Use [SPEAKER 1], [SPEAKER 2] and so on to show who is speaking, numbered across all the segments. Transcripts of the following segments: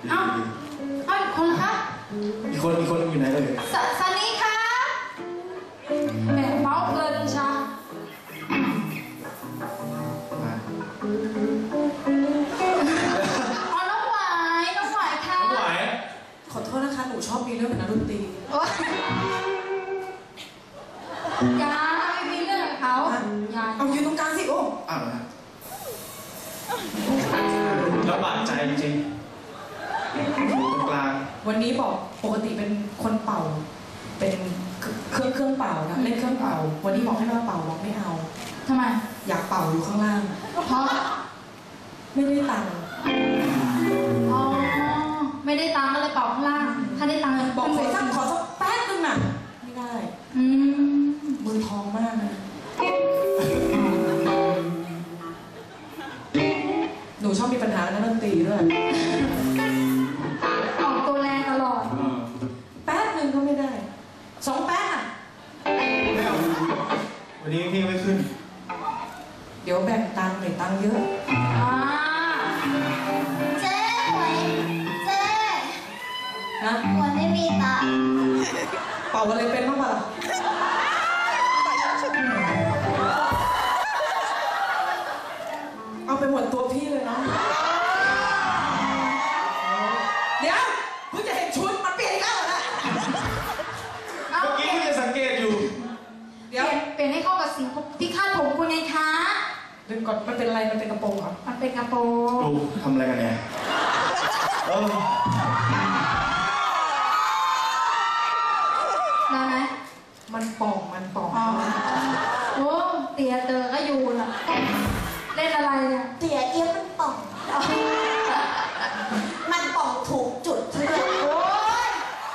[SPEAKER 1] เอ้าอีกคนละคะ
[SPEAKER 2] อีกคนอยู่ไหนเลย
[SPEAKER 1] ซันนี่คะแหมเมาเพลินชาน้องหวายค่ะ
[SPEAKER 2] น้องหวาย
[SPEAKER 3] ขอโทษนะคะหนูชอบมีเรื่องกับนักดนตรี
[SPEAKER 1] ยาไม่มีเรื่องกับเขายา
[SPEAKER 3] เอายืนตรงกลางสิโอ้
[SPEAKER 2] อ้าวลำบากใจจริงๆอยู่ตรงกลาง
[SPEAKER 3] วันนี้บอกปกติเป็นคนเป่าเป็นเครื่องเป่านะเล่นเครื่องเป่าวันนี้บอกให้มาเป่าบอกไม่เอา
[SPEAKER 1] ทำไม
[SPEAKER 3] อยากเป่าอยู่ข้างล่าง
[SPEAKER 1] เพราะ
[SPEAKER 3] ไม่ได้ตังค์
[SPEAKER 1] อ๋อไม่ได้ตังค์ก็เลยเป่าข้างล่างถ้าได้ตังค์
[SPEAKER 3] บอกขอสักแป๊บนึงน่ะไม่ได้มือทองมากนะหนูชอบมีปัญหากับนักดนตรีด้วย
[SPEAKER 1] ออกตัวแรงตลอด
[SPEAKER 3] แป๊บนึงก็ไม่ได้2 แป๊บอ่ะ
[SPEAKER 2] ไม่เอาวันนี้พี่ไม่ขึ้น
[SPEAKER 3] เดี๋ยวแบ่งตังค์หน่อยตังค์เยอะ
[SPEAKER 1] เจ๊หวยเจ๊
[SPEAKER 3] นะ
[SPEAKER 1] หวยไม่มีตังค์
[SPEAKER 3] เป่าอะไรเป็นบ้างปะล่ะเอาไปหมดตัวพี่เลยเนาะเดี๋ยวเพิ่งจะเห็นชุดมันเปลี่ยนแล้วนะ
[SPEAKER 2] เมื่อกี้พี่จะสังเกตอยู่
[SPEAKER 1] เดี๋ยวเปลี่ยนให้เข้ากับสีที่คาดผมคุณไงคะ
[SPEAKER 3] ดึงก่อนมันเป็นอะไรมันเป็นกระโปรงเหรอ
[SPEAKER 1] มันเป็นกระโปรง
[SPEAKER 2] ดูทำอะไรกันเนี่ย
[SPEAKER 1] ได้ไหม
[SPEAKER 3] มันป่อง
[SPEAKER 1] โอ้เตี๋ยเตอก็อยู่ล่ะเล่นอะไรเนี่ย
[SPEAKER 4] เตี๋ยเอี้ยมันป่องมันป่องถูกจุดเพื่อน
[SPEAKER 1] โอ้ย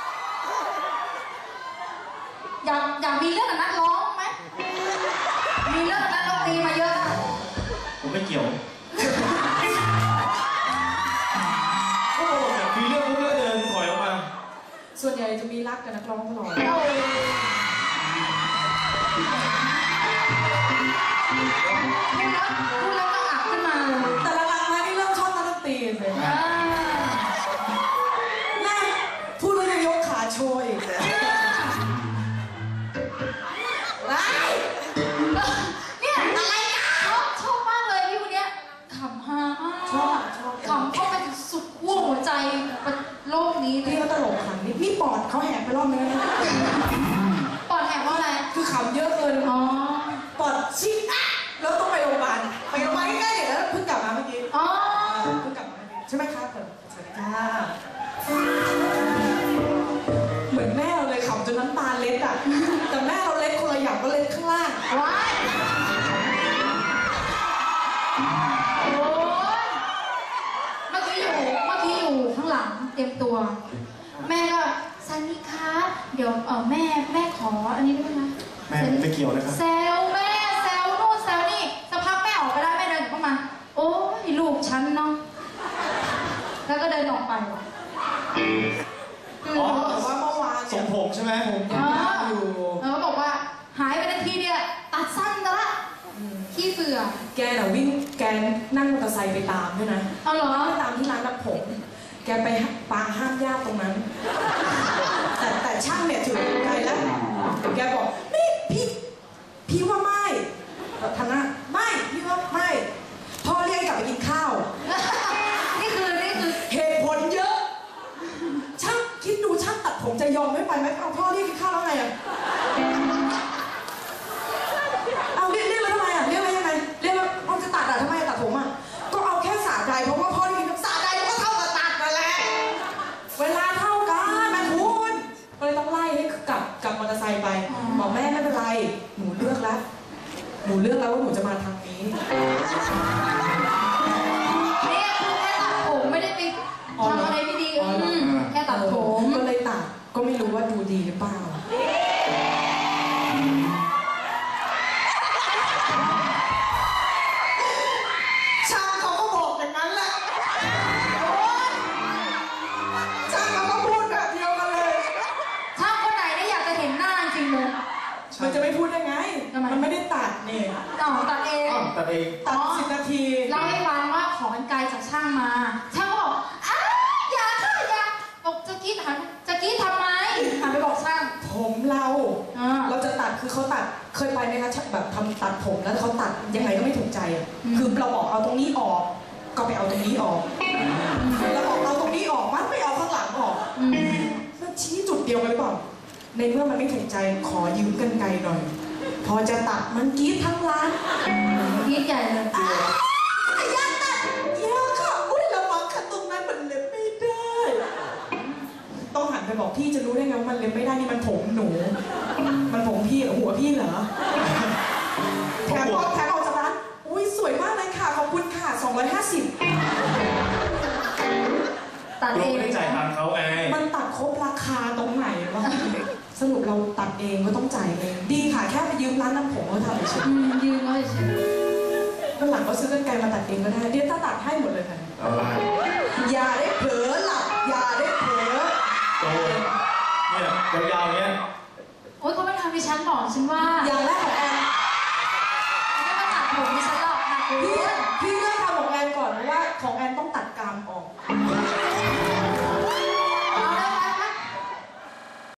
[SPEAKER 1] อยากมีเรื่องกับนักร้องไหมมีเรื่องกับนักดนตรีมาเยอะ
[SPEAKER 2] ผมไม่เกี่ยวโอ้อยากมีเรื่องพวกนี้เดินถอยออกมา
[SPEAKER 3] ส่วนใหญ่จะมีรักกับนักร้องตลอด
[SPEAKER 1] พูดแล้วก็อับขึ้นมาเลย
[SPEAKER 3] แต่ละหลังมาที่เริ่มชอบนักดนตรีเลยน่าพูดแล้วยังยกขาโชย
[SPEAKER 1] เนี่ยอะไรชอบมากเลยพี่คนเนี้ยขำฮา
[SPEAKER 3] ชอบ
[SPEAKER 1] ขำเข้าไปสุดขั้วหัวใจโลกนี้เลย
[SPEAKER 3] พี่เขาตลกขำนี่ปอดเขาแหกไปรอบนึงนะ
[SPEAKER 1] ปอดแหกว่าอะไร
[SPEAKER 3] คือขำเยอะเกินปอดชิดแล้วต้องไปโรงพยาบาลใกล้ๆเดี๋ยวแล้วเพิ่งกลับมาเมื่อกี้เพิ่งกลับมาใช่ไหมครับสวัสดีค่ะเหมือนแม่เราเลยขำจนน้ำตาเล็ดอ่ะแต่แม่เราเล็ดคนละอย่างก็เล็ดข้างล่าง
[SPEAKER 1] ว้ายโอ้ยเมื่อกี้อยู่ข้างหลังเตรียมตัวแม่ก็ซันนี่คะเดี๋ยวแม่ขออันนี้ได้ไหมคะ
[SPEAKER 2] แม่ไม่เกี่ยวนะครับ
[SPEAKER 1] แซวแม่แซวนู่นแซวนี่สักพักแม่ออกไปได้แม่เดินเข้ามาโอ้ยลูกฉันเนาะแล้วก็เดินออกไป
[SPEAKER 3] แต่ว่าเมื่อวาน
[SPEAKER 2] ทรงผมใช่ไหมผม
[SPEAKER 3] อยู่
[SPEAKER 1] แล้วก็บอกว่าหายไปนาทีเดียวตัดสั้นแล้วละขี้เบื่อ
[SPEAKER 3] แกน่ะวิ่งแกนั่งมอเตอร์ไซค์ไปตามด้วยนะ
[SPEAKER 1] เอาเหรอ
[SPEAKER 3] ไปตามที่ร้านตัดผมแกไปปางห้ามญาติตรงนั้นแต่ช่างเนี่ยถือไกลแล้วแกบอกนี่พี่ว่าไม่ทำหน้าไม่พี่ว่าไม่พ่อเรียกกลับไปกินข้าว
[SPEAKER 1] นี่คือ
[SPEAKER 3] เหตุผลเยอะช่างคิดดูช่างตัดผมจะยอมไม่ไปไหมเอาพ่อเรียกกินข้าวแล้วไงอ่ะเอาเรียกแล้วทำไมอ่ะเรียกแล้วยังไงเรียกแล้วเอาจะตัดอ่ะทำไมตัดผมอ่ะก็เอาแค่สระใดเพราะว่าพ่อเรียกกินสระใดก็เท่ากับตัดนั่นแหละเวลาเท่ากันนะคุณก็เลยต้องไล่ให้กลับมอเตอร์ไซค์ไปบอกแม่ไม่เป็นไรหนูเลือกแล้วว่าหนูจะมาทางนี้
[SPEAKER 1] เนี่ยคือแค่ตัดผมไม่ได้ไปทำอะไรไม่ดีแค่ตัดผม
[SPEAKER 3] ก็เลยตัดก็ไม่รู้ว่าดูดีหรือเปล่าช่างเขาก็บอกอย่างนั้นแหละช่างเขาก็พูดแบบเดียวกันเลย
[SPEAKER 1] ช่างคนไหนได้อยากจะเห็นหน้าจริงเลย
[SPEAKER 3] มันจะไม่พูดได้ไงมันไม่ได้ตัดนี่
[SPEAKER 1] ตัดเอง
[SPEAKER 3] ตัด10 นาที
[SPEAKER 1] เล่าให้ฟังว่าขอกันไกลจากช่างมาช่างก็บอกอย่าท
[SPEAKER 3] เคยไปไหมคะแบบทำตัดผมแล้วเขาตัดยังไงก็ไม่ถูกใจอะคือเราบอกเอาตรงนี้ออกก็ไปเอาตรงนี้ออกเราบอกเอาตรงนี้ออกมันไม่เอาข้างหลังออกมันชี้จุดเดียวกันหรือเปล่าในเมื่อมันไม่ถูกใจขอยืมกรรไกรหน่อยพอจะตัดมันกรี๊ดทั้งร้าน
[SPEAKER 1] กรี๊ดใหญ่เลย
[SPEAKER 3] อยากตัดอยากค่ะอุ้ยระวังค่ะตรงนั้นมันเล็บไม่ได้ ต้องหันไปบอกพี่จะรู้ได้ไงว่ามันเล็บไม่ได้นี่มันผมหนู มันผมพี่เหรอหัวพี่เหรอแถมออกจากร้านอุ้ยสวยมากเลยค่ะขอบคุณค่ะ250
[SPEAKER 1] ตัด
[SPEAKER 2] เรา
[SPEAKER 1] เอง
[SPEAKER 2] ไม่ได้จ่ายตังค์เขาไง
[SPEAKER 3] มันตัดครบราคาตรงไหนวะสรุปเราตัดเองก็ต้องจ่ายเองดีค่ะแค่ไปยืมร้านน้ำผมเขาทำเฉย
[SPEAKER 1] ยืนไว้เฉย
[SPEAKER 3] วันหลังก็ซื้อกรรไกรมาตัดเองก็ได้เดี๋ยวตัดให้หมดเลยค่ะ
[SPEAKER 2] อะไร
[SPEAKER 3] อย่าได้เผลอหลับอย่าได้เผลอ
[SPEAKER 2] โตเนี่ยยาวๆเนี้ย
[SPEAKER 1] โอ๊ยเขาไม่ทำดิฉันบอกฉันว่า
[SPEAKER 3] อย่างแรกของแอน
[SPEAKER 1] ไม่มาตัดผมดิฉันหรอกค่ะคุณ
[SPEAKER 3] พี่เลือกทำของแอนก่อนเพราะว่าของแอนต้องตัดกรามออก